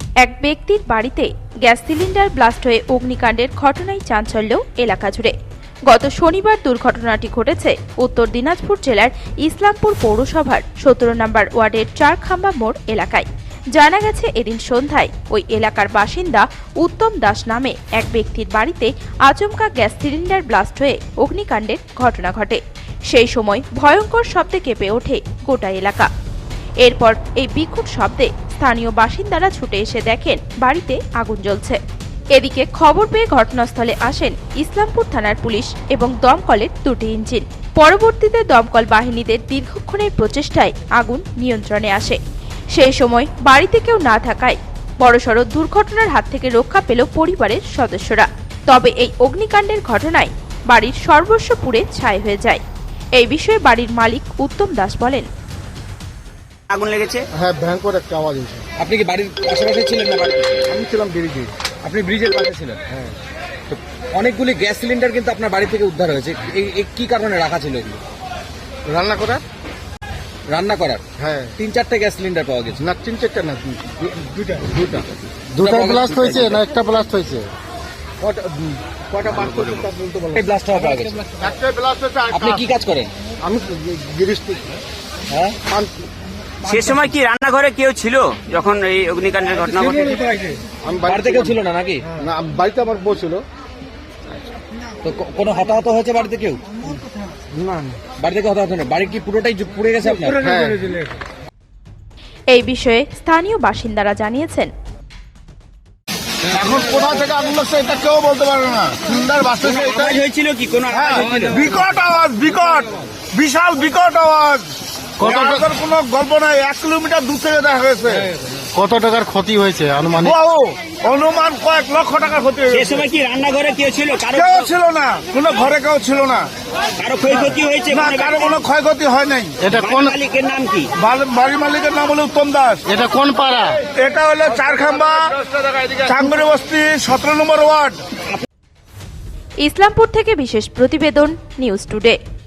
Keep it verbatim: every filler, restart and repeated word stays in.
এক ব্যক্তির বাড়িতে গ্যাস সিলিন্ডার ব্লাস্ট হয়ে অগ্নিকাণ্ডের ঘটনায় চাঞ্চল্য এলাকা জুড়ে। গত শনিবার দুর্ঘটনাটি ঘটেছে উত্তর দিনাজপুর জেলার ইসলামপুর পৌরসভার সতেরো নম্বর ওয়ার্ডের চারখাম্বা মোড় এলাকায়। জানা গেছে, এদিন সন্ধ্যায় ওই এলাকার বাসিন্দা উত্তম দাস নামে এক ব্যক্তির বাড়িতে আচমকা গ্যাস সিলিন্ডার ব্লাস্ট হয়ে অগ্নিকাণ্ডের ঘটনা ঘটে। সেই সময় ভয়ঙ্কর শব্দে কেঁপে ওঠে গোটা এলাকা। এরপর এই বিকট শব্দে স্থানীয় বাসিন্দারা ছুটে এসে দেখেন বাড়িতে আগুন জ্বলছে। এদিকে খবর পেয়ে ঘটনাস্থলে আসেন ইসলামপুর থানার পুলিশ এবং দমকলের দুটি ইঞ্জিন। পরবর্তীতে দমকল বাহিনীদের দীর্ঘক্ষণের প্রচেষ্টায় আগুন নিয়ন্ত্রণে আসে। সেই সময় বাড়িতে কেউ না থাকায় বড়সড় দুর্ঘটনার হাত থেকে রক্ষা পেল পরিবারের সদস্যরা। তবে এই অগ্নিকাণ্ডের ঘটনায় বাড়ির সর্বস্ব পুড়ে ছাই হয়ে যায়। এই বিষয়ে বাড়ির মালিক উত্তম দাস বলেন, আগুন লেগেছে। হ্যাঁ, ভয়ঙ্কর একটা আওয়াজ হয়েছে। আপনি কি বাড়ির আশেপাশে ছিলেন না বাড়িতে? আমি ছিলাম ব্রিজে। আপনি ব্রিজের পাশে ছিলেন? হ্যাঁ। তো অনেকগুলি গ্যাস সিলিন্ডার কিন্তু আপনার বাড়ি থেকে উদ্ধার হয়েছে। এই এই কি কারণে রাখা ছিল এগুলো? রান্না করার? রান্না করার? হ্যাঁ। তিন চারটে গ্যাস সিলিন্ডার পাওয়া গেছে। না, তিন চারটা না, দুইটা দুইটা দুটা ব্লাস্ট হয়েছে না একটা ব্লাস্ট হয়েছে? কটা কটা ব্লাস্ট হয়েছে তা বলতে পারবো এই ব্লাস্ট হওয়া পাওয়া গেছে। একটা ব্লাস্ট হয়েছে। আপনি কি কাজ করেন? আমি গৃহস্থী। হ্যাঁ। সে সময় কি রান্নাঘরে কেউ ছিল যখন এই অগ্নিকাণ্ডের ঘটনা ঘটে? আমি বাড়িতে কেউ ছিল না নাকি? না, বাড়িতে আমার বউ ছিল। তো ক- কোনো হতাহত হয়েছে বাড়িতে কেউ? না, বাড়িতে কেউ হতাহত নেই। বাড়ি কি পুরোটাই জু- পুড়ে গেছে আপনার? হ্যাঁ। এই বিষয়ে স্থানীয় বাসিন্দারা জানিয়েছেন, এখন কোথা থেকে আগুন লাগছে এটা কেউ বলতে পারে না। সুন্দর বাসে আওয়াজ হয়েছিল কি? কোনো আওয়াজ হয়েছিল? বিকট আওয়াজ, বিকট বিশাল বিকট আওয়াজ। আওয়াজের কোনো গল্প নাই। এক কিলোমিটার দূর থেকে দেখা গেছে। কত টাকার ক্ষতি হয়েছে আনুমানিক? বাবু, অনুমান কয়েক লক্ষ টাকার ক্ষতি সে হয়েছে। সময় কি রান্নাঘরে কেউ ছিল? কারো কেউ ছিল না, কোনো ঘরে কেউ ছিল না। কারো ক্ষয়ক্ষতি হয়েছে? না, কোনো কারো কোনো ক্ষয়ক্ষতি হয় নাই। এটা বাড়ির কোন মালিকের নাম কি? বাড়ি- বাড়ির মালিকের নাম হলো উত্তম দাস। এটা কোন পাড়া? এটা হলো চারখাম্বা চাঙ্গুরি বস্তি সতেরো নম্বর ওয়ার্ড। ইসলামপুর থেকে বিশেষ প্রতিবেদন, নিউজ টুডে।